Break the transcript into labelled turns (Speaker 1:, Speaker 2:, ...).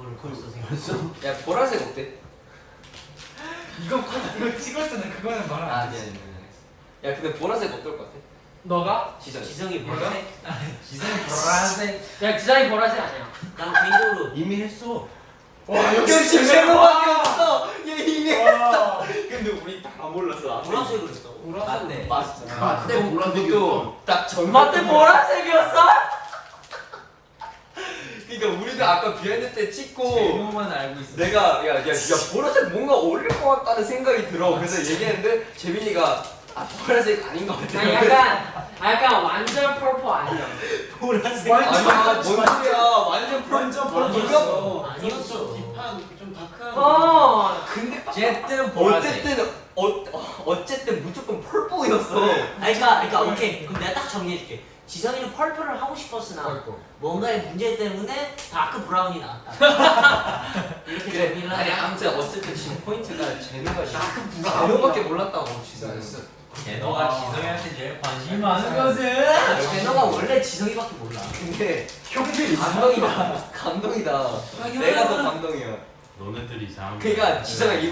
Speaker 1: 그걸 벌써 생각했어.
Speaker 2: 야 보라색 어때?
Speaker 3: 이거 찍었잖아. 그거는 말
Speaker 2: 아
Speaker 3: 안 돼.
Speaker 2: 미안해. 야 근데 보라색 어떨 것 같아?
Speaker 3: 너가?
Speaker 1: 지성이 보라색?
Speaker 3: 지성이 보라색.
Speaker 4: 야 지성이 보라색 아니야.
Speaker 1: 난 개인적으로
Speaker 5: 이미 했어.
Speaker 3: 와
Speaker 2: 역시 제노밖에 없어. 얘 이미 했어. 근데 우리 다 몰랐어.
Speaker 1: 보라색으로 했다고.
Speaker 3: 보라색.
Speaker 2: 맞어.
Speaker 5: 맞대 보라색이었어.
Speaker 2: 딱 전.
Speaker 4: 맞대 보라색이었어?
Speaker 2: 그러니까 우리도 아까 비하인드 때 찍고
Speaker 3: 제노만 알고 있어.
Speaker 2: 내가 야 보라색 뭔가 어울릴 것 같다는 생각이 들어. 그래서 얘기했는데 재민이가 아 보라색 아닌 것 같아.
Speaker 4: 아니 약간 완전 펄퍼 아니야.
Speaker 1: 보라색.
Speaker 2: 아니야 뭔 소리야 완전
Speaker 3: 펄펄.
Speaker 1: 아니었어.
Speaker 5: 딥한 좀 다크한.
Speaker 2: 근데
Speaker 3: 어쨌든 보라색.
Speaker 2: 어쨌든 무조건 펄보였어.
Speaker 1: 그러니까 오케이. 그럼 내가 딱 정리해줄게. 지성이는 펄펄을 하고 싶었으나 뭔가의 문제 때문에 다크 브라운이 나왔다. 이렇게
Speaker 2: 그래.
Speaker 1: 정리를
Speaker 2: 아니
Speaker 1: 하자.
Speaker 2: 아무튼 어쨌든 지금 포인트가 제노가 제노밖에 몰랐다고 지금.
Speaker 3: 제노가 지성이한테 제일 관심이 많은 것은
Speaker 1: 제노가 원래 지성이밖에 몰라.
Speaker 2: 근데 형들이 감동이다. 내가 더 감동이야.
Speaker 5: 너네들이 이상한.
Speaker 2: 그러니까 지성아